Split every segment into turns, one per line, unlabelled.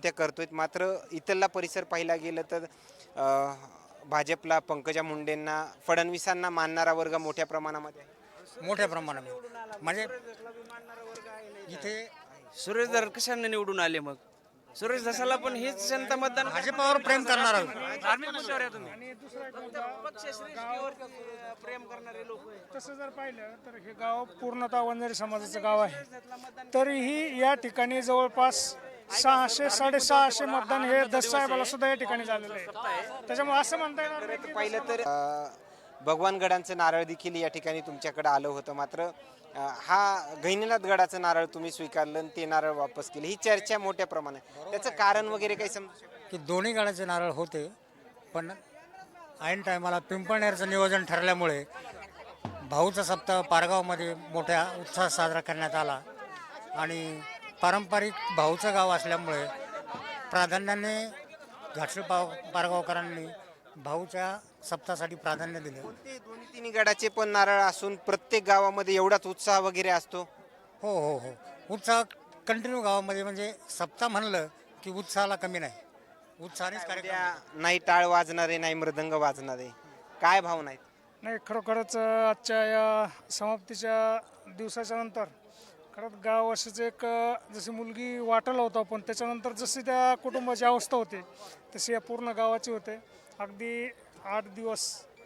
ते करतोय, मात्र इथला परिसर पाहिला गेलं तर अ, भाजपला, पंकजा मुंडेंना, फडणवीसांना मानणारा वर्ग मोठ्या प्रमाणामध्ये आहे.
मोठ्या प्रमाणामध्ये म्हणजे इथे
सुरेश धस कशाने निवडून आले मग? सुरेश धसाला पण हेच जनता मतदान
भाजपावर प्रेम करणार आहोत.
धार्मिक मुद्द्यावर आहे तुम्ही.
आणि दुसरा एक मुद्दा,
प्रेम करणारे लोक
तसं जर पाहिलं तर हे गाव पूर्णतः वंजारी समाजाचं गाव आहे. तरीही या ठिकाणी जवळपास 600-650 मतदान हे दस साहेबाला सुद्धा या ठिकाणी झालेलं आहे. त्याच्यामुळे असं म्हणता येणार नाही की
पाहिलं तर भगवानगडांचं नारळ देखील या ठिकाणी तुमच्याकडे आलं होतं, मात्र हा गहिनीनाथ गडाचं नारळ तुम्ही स्वीकारलं आणि ते नारळ वापस केले. ही चर्चा मोठ्या प्रमाणात, त्याचं कारण वगैरे काही समजू शकतं?
की दोन्ही गाड्याचे नारळ होते, पण ऐन टायमाला पिंपळनेरचं नियोजन ठरल्यामुळे भाऊचा सप्ताह पारगावमध्ये मोठ्या उत्साहात साजरा करण्यात आला आणि पारंपरिक भाऊचं गाव असल्यामुळे प्राधान्याने घाटशीळ पारगावकरांनी भाऊच्या सप्ताहासाठी प्राधान्य दिले.
ते दोन्ही तिन्ही गडाचे पण नारळ असून प्रत्येक गावामध्ये एवढाच उत्साह वगैरे असतो.
हो हो हो, उत्साह कंटिन्यू गावामध्ये, म्हणजे सप्ताह म्हणलं की उत्साहाला कमी नाही, उत्साहानेच कार्यक्रम होतात.
नाही टाळ वाजणारे, नाही मृदंग वाजणारे, काय भावना आहेत?
नाही, खरोखरच आजच्या या समाप्तीच्या दिवसाच्या नंतर खरंच गाव अशीच एक जशी मुलगी वाटलं होतं आपण, त्याच्यानंतर जशी त्या कुटुंबाची अवस्था होती तशी या पूर्ण गावाची होते. अगदी 8 दिवस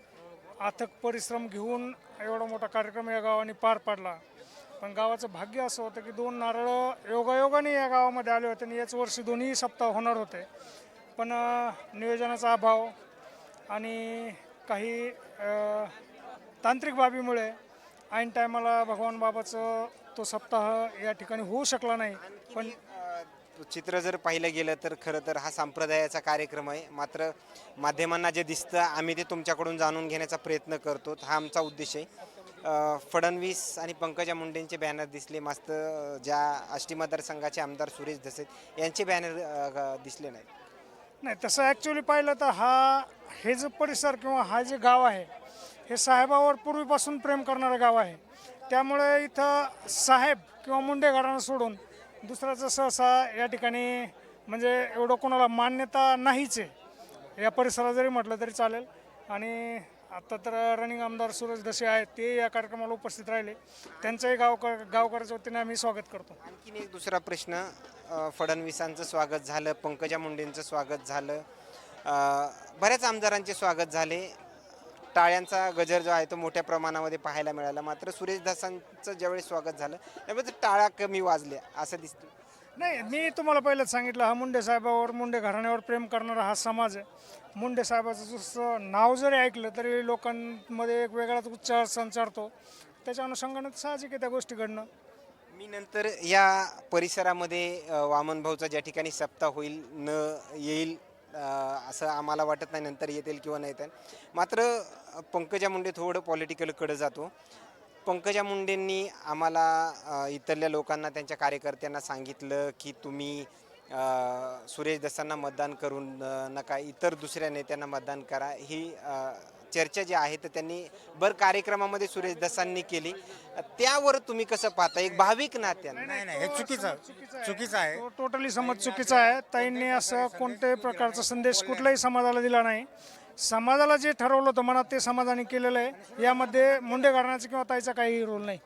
अथक परिश्रम घेऊन एवढा मोठा कार्यक्रम या गावाने पार पाडला. पण गावाचं भाग्य असं होतं की 2 नारळ योगायोगाने या गावामध्ये आले होते आणि याच वर्षी दोन्ही सप्ताह होणार होते. पण नियोजनाचा अभाव आणि काही तांत्रिक बाबीमुळे ऐन टायमाला भगवान बाबाचं तो सप्ताह या ठिकाणी होऊ शकला नाही. पण
चित्र जर पाहिलं गेलं तर खरं तर हा संप्रदायाचा कार्यक्रम आहे, मात्र माध्यमांना जे दिसतं आम्ही ते तुमच्याकडून जाणून घेण्याचा प्रयत्न करतो. हा आमचा उद्देश आहे. फडणवीस आणि पंकजा मुंडेंचे बॅनर दिसले, मस्त ज्या आष्टी मतदारसंघाचे आमदार सुरेश धसे यांचे बॅनर दिसले नाहीत.
नाही, तसं ॲक्च्युली पाहिलं तर हे जे परिसर किंवा हा जे गाव आहे हे साहेबावर पूर्वीपासून प्रेम करणारं गाव आहे. त्यामुळे इथं साहेब किंवा मुंडे घराणं सोडून दुसऱ्याचं सहसा या ठिकाणी म्हणजे एवढं कोणाला मान्यता नाहीच आहे. या परिसरात जरी म्हटलं तरी चालेल. आणि आता तर रनिंग आमदार सुरेश धसे आहेत, ते या कार्यक्रमाला उपस्थित राहिले. त्यांचंही गावकऱ्याच्या वतीने आम्ही स्वागत करतो.
आणखीन एक दुसरा प्रश्न, फडणवीसांचं स्वागत झालं, पंकजा मुंडेंचं स्वागत झालं, बऱ्याच आमदारांचे स्वागत झाले, टाळ्यांचा गजर जो आहे तो मोठ्या प्रमाणामध्ये पाहायला मिळाला. मात्र सुरेश धसांचं ज्यावेळेस स्वागत झालं त्यामुळे टाळ्या कमी वाजल्या असं दिसतं.
नाही, मी तुम्हाला पहिलंच सांगितलं, हा मुंडे साहेबावर, मुंडे घराण्यावर प्रेम करणारा हा समाज आहे. मुंडे साहेबाचं जसं नाव जरी ऐकलं तरी लोकांमध्ये एक वेगळाच उत्साह संचारतो. त्याच्या अनुषंगाने साहजिक आहे त्या गोष्टी घडणं.
मी नंतर या परिसरामध्ये वामन भाऊचा ज्या ठिकाणी सप्ताह होईल न येईल असं आम्हाला वाटत नाही, नंतर येतील किंवा नाही येतील. मात्र पंकजा मुंडे थोडं पॉलिटिकलकडे जातो. पंकजा मुंडेंनी आम्हाला इथल्या लोकांना, त्यांच्या कार्यकर्त्यांना सांगितलं की तुम्ही सुरेश धसांना मतदान करून नका, इतर दुसऱ्या नेत्यांना मतदान करा. ही चर्चा जी आहे तर त्यांनी कार्यक्रमामध्ये सुरेश धसांनी केली. त्यावर तुम्ही कसं पाहता एक भाविक नात्यानं?
नाही नाही, हे चुकीचं आहे.
तो टोटली समज चुकीचा आहे. ताईंनी असं कोणत्याही प्रकारचा संदेश कुठल्याही समाजाला दिला नाही. समाजाला जे ठरवलं होतं मनात ते समाजाने केलेलं आहे. यामध्ये मुंडे घराण्याचा किंवा ताईचा काही रोल नाही.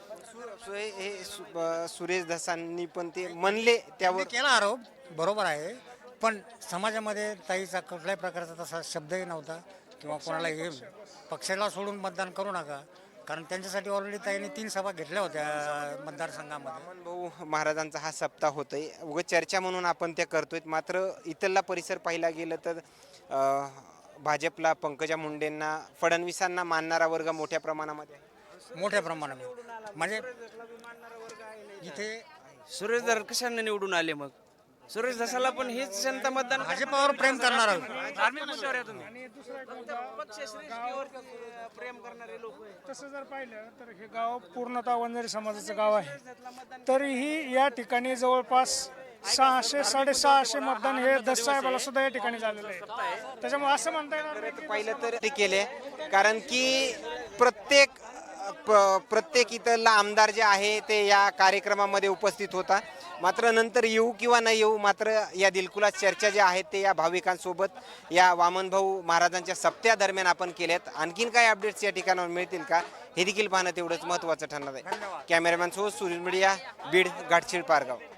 सुरेश धसांनी पण ते म्हणले, त्यावर
केला आरोप, बरोबर आहे, पण समाजामध्ये ताईचा कुठल्याही प्रकारचा तसा शब्दही नव्हता किंवा कोणाला हे पक्षाला सोडून मतदान करू नका, कारण त्यांच्यासाठी ऑलरेडी ताईने 3 सभा घेतल्या होत्या मतदारसंघामध्ये.
वामन भाऊ महाराजांचा हा सप्ताह होतोय, उगाच चर्चा म्हणून आपण ते करतोय. मात्र इथला परिसर पाहिला गेलं तर भाजपला, पंकजा मुंडेंना, फडणवीसांना मानणारा वर्ग मोठ्या प्रमाणामध्ये आहे.
मोठ्या प्रमाणामध्ये म्हणजे इथे
सुरेश धस कशाने निवडून आले मग? सुरेश धसाला पण हेच जनता मतदान
भाजपावर प्रेम करणार आहोत.
धार्मिक मुद्द्यावर आहे तुम्ही.
आणि दुसरा एक मुद्दा,
प्रेम करणारे लोक
तसं जर पाहिलं तर हे गाव पूर्णतः वंजारी समाजाचं गाव आहे. तरीही या ठिकाणी जवळपास 600-650 मतदान हे दस साहेबाला सुद्धा या ठिकाणी झालेलं आहे. त्याच्यामुळे असं म्हणता येणार नाही की
पाहिलं तर ते केले, कारण की प्रत्येक इथला आमदार जे आहे ते या कार्यक्रमामध्ये उपस्थित होता. मात्र नंतर येऊ किंवा न येऊ, मात्र या दिलखुलास चर्चा ज्या आहेत ते या भाविकांसोबत या वामनभाऊ महाराजांच्या सप्त्यादरम्यान आपण केल्यात. आणखीन काय अपडेट्स या ठिकाणावर मिळतील का हे देखील पाहणं तेवढंच महत्त्वाचं ठरणार आहे. कॅमेरामॅन सोबत सुनील मीडिया, बीड, घाटशीळ, पारगाव.